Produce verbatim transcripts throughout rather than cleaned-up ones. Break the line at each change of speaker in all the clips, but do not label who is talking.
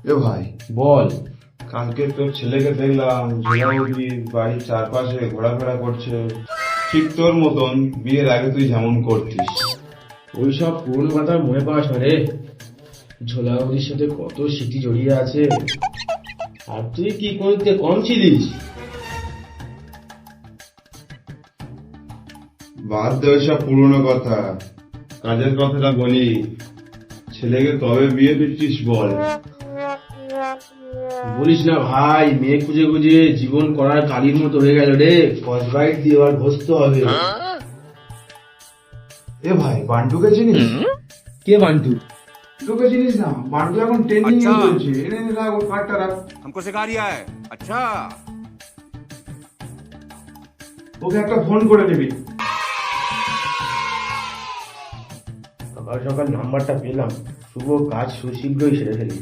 এ ভাই
বল।
কালকে তোর ছেলেকে দেখলাম ঝোলামুড়ি বাড়ির চারপাশে ঘোরাফেরা করছে, ঠিক তোর মতন বিয়ের আগে তুই যেমন করতিস।
ওইসব পুরনো কথা মনে পাস রে। ঝোলাউদির সাথে কত স্মৃতি জড়িয়ে আছে। আর তুই কি করতে কম ছিলিস?
বাদ দে ওইসব পুরনো কথা, কাজের কথাটা বলি। ছেলেকে কবে বিয়ে দিচ্ছিস বল।
বলিস না ভাই, মেয়ে খুঁজে খুঁজে জীবন করার কালির মতো হয়ে গেল রে। কসবাইট দিয়ে আর ঘষতে হবে।
এ ভাই বান্টুকে চিনিস?
কে বান্টু?
তোকে চিনিস না? বান্টু এখন ট্রেনিং এ চলছে। এনে নে রাখ ওর কার্ডটা রাখ।
हमको सिखा रिया है। अच्छा
ওকে একটা ফোন করে দিবি।
সকাল সকাল নাম্বারটা পেলাম, শুভ কাজ সুশীঘ্রই সেরে ফেলি।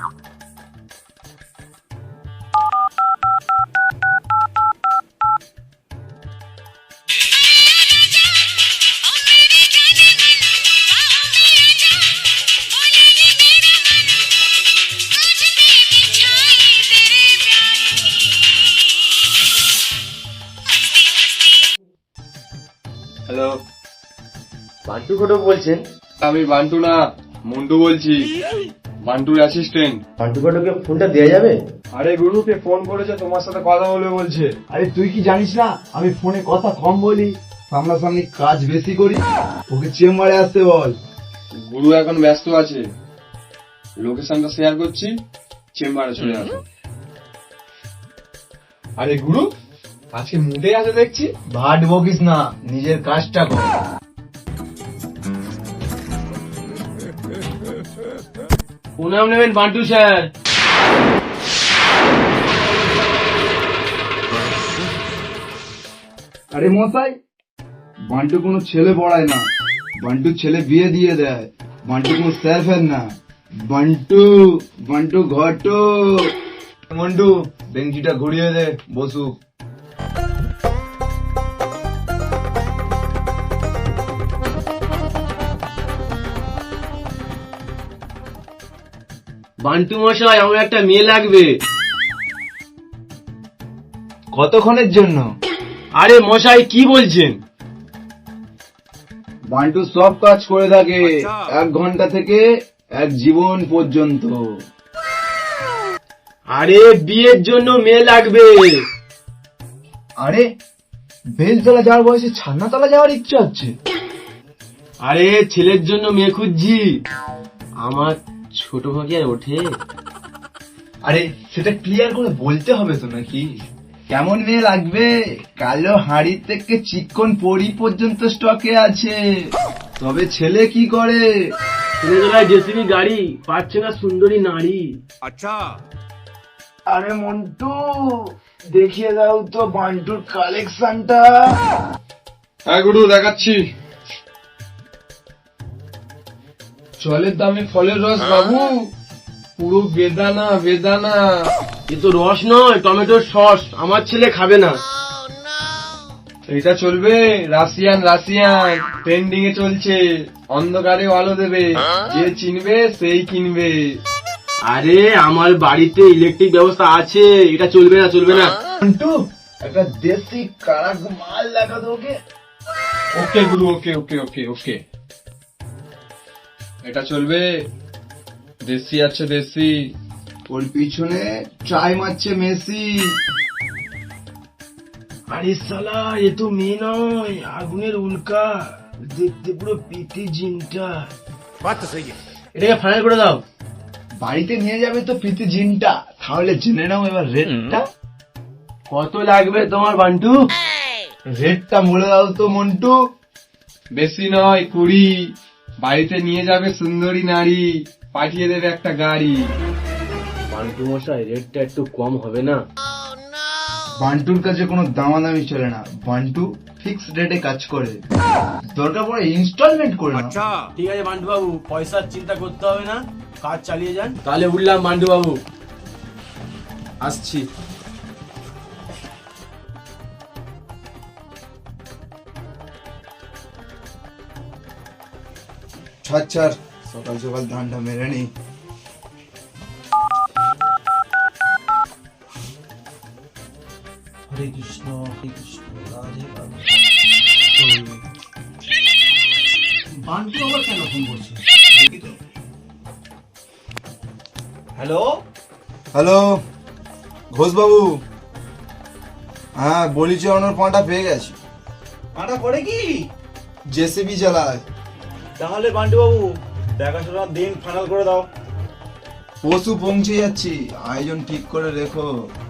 হ্যালো,
বান্টু ঘটক বলছেন?
আমি বান্টু না, মন্টু বলছি, বান্টুর অ্যাসিস্ট্যান্ট।
বান্টু ঘটকের ফোনটা দেওয়া যাবে?
আরে গুরুকে ফোন করেছে, তোমার সাথে কথা বলবে বলছে।
আরে তুই কি জানিস না আমি ফোনে কথা কম বলি, সামনাসামনি কাজ বেশি করি। ওকে চেম্বারে আসতে বল।
গুরু এখন ব্যস্ত আছে, লোকেশনটা শেয়ার করছি, চেম্বারে চলে আসো। আরে গুরু আজকে মুডে আছে দেখছি।
ভাট বকিস না, নিজের কাজটা কর।
প্রণাম নেবেন বান্টু স্যার।
আরে মশাই, বান্টু কোনো ছেলে পড়ায় না, বান্টু ছেলে বিয়ে দিয়ে দেয়। বান্টু কোনো স্যার ফ্যার না, বান্টু বান্টু ঘটো। মন্টু বেঞ্চিটা ঘুরিয়ে দে, বসুক।
বান্টু মশাই, আমার একটা মেয়ে লাগবে।
কতক্ষণের জন্য?
আরে মশাই কি বলছেন?
বান্টু সব কাজ করে থাকে, এক ঘন্টা থেকে এক জীবন পর্যন্ত।
আরে বিয়ের জন্য মেয়ে লাগবে।
আরে বেলতলা যাওয়ার বয়সে ছান্নাতলা যাওয়ার ইচ্ছা হচ্ছে।
আরে ছেলের জন্য মেয়ে খুঁজছি, আমার ছোট ভাগে আর ওঠে।
আরে সেটা ক্লিয়ার করে বলতে হবে তো নাকি? কেমন মেয়ে লাগবে? কালো হাড়ি থেকে চিকন পরি পর্যন্ত স্টকে আছে। তবে ছেলে কি করে?
ছেলেবেলায় জেসিবি গাড়ি, পাচ্ছে না সুন্দরী নারী।
अच्छा
আরে মন্টু, দেখিয়ে দাও তো বান্টুর কালেকশনটা।
হ্যাঁ গুরু দেখাচ্ছি। জলের দামে ফলের রস বাবু, পুরো বেদানা বেদানা।
এ তো রস নয়, টমেটোর সস। আমার ছেলে খাবে না।
এটা চলবে? রাশিয়ান রাশিয়ান ট্রেন্ডিং এ চলছে, অন্ধকারে আলো দেবে, যে চিনবে সেই কিনবে।
আরে আমার বাড়িতে ইলেকট্রিক ব্যবস্থা আছে, এটা চলবে না, চলবে না।
মন্টু একটা দেশি কারাক মাল লাগা তোকে।
ওকে গুরু, ওকে ওকে ওকে ওকে এটা চলবে? দেশি আছে দেশি।
ওর পিছনে ট্রাই মারছে মেসি।
আরে সালা, এ তো মেয়ে নয়, আগুনের উল্কা। দেখতে পুরো পিটি জিনটা।
बात तो सही है।
এটাকে ফাইনাল করে দাও।
বাড়িতে নিয়ে যাবে তো প্রীতি জিনটা, তাহলে জেনে নাও এবার রেটটা।
কত লাগবে তোমার বান্টু?
রেটটা বলে দাও তো মন্টু।
বেশি নয়, কুড়ি। বাড়িতে নিয়ে যাবে সুন্দরী নারী, পাঠিয়ে দেবে একটা গাড়ি।
বান্টু মশাই, রেটটা একটু কম হবে না?
বান্টুর কাছে কোনো দামাদামি চলে না, বান্টু ফিক্স রেটে কাজ করে। দরকার পড়ে ইনস্টলমেন্ট করে না।
अच्छा
ঠিক আছে বান্টু বাবু, পয়সার চিন্তা করতে হবে না, কাজ চালিয়ে যান। তাহলে উঠলাম বান্টু বাবু, আসছি।
ছাড় ছাড়, সকাল সকাল ধানটা মেরে নি।
হরে কৃষ্ণ হরে কৃষ্ণ রাধে রাধে। বান্টু আবার কেন ফোন করছে দেখি তো। হ্যালো,
হ্যালো ঘোষ বাবু, হ্যাঁ বলি চালানোর পাঁটা পেয়ে গেছি।
আটা করে কি?
জেসিবি চালায়।
তাহলে বান্টু বাবু দেখাশোনার দিন ফাইনাল করে দাও।
পশু পৌঁছে যাচ্ছি, আয়োজন ঠিক করে রেখো।